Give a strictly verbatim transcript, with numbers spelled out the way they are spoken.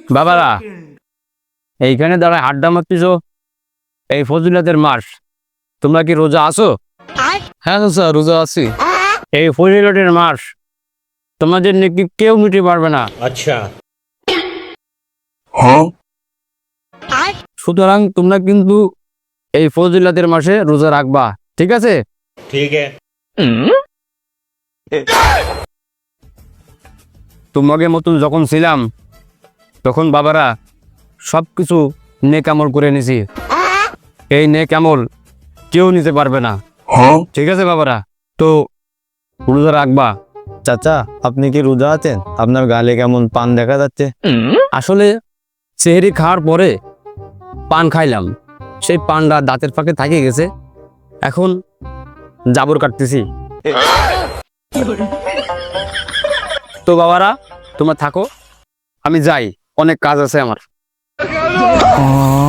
বাবারা এইখানে দাঁড়ায় আড্ডা মারতেছো, এই ফজিলতের মাস, তোমরা কি রোজা আছো? হ্যাঁ চাচা রোজা আছি। এই ফজিলতের মাস তোমাদের নাকি কেউ মিটে পারবে না। अच्छा সুতরাং তোমরা কিন্তু এই ফজিলতের মাসে রোজা রাখবা, ঠিক আছে? ठीक है। তোমাকে মতন যখন ছিলাম তখন বাবারা সব কিছু নেক আমল করে নিছি, এই নেক আমল কেউ নিতে পারবে না, ঠিক আছে বাবারা? তো রোজা রাখবা। চাচা আপনি কি রোজা আছেন? আপনার গালে কেমন পান দেখা যাচ্ছে। আসলে সেহরি খাওয়ার পরে পান খাইলাম, সেই পানটা দাঁতের ফাঁকে থাকে গেছে, এখন জাবর কাটতেছি। তো বাবারা তোমরা থাকো, আমি যাই, অনেক কাজ আছে আমার।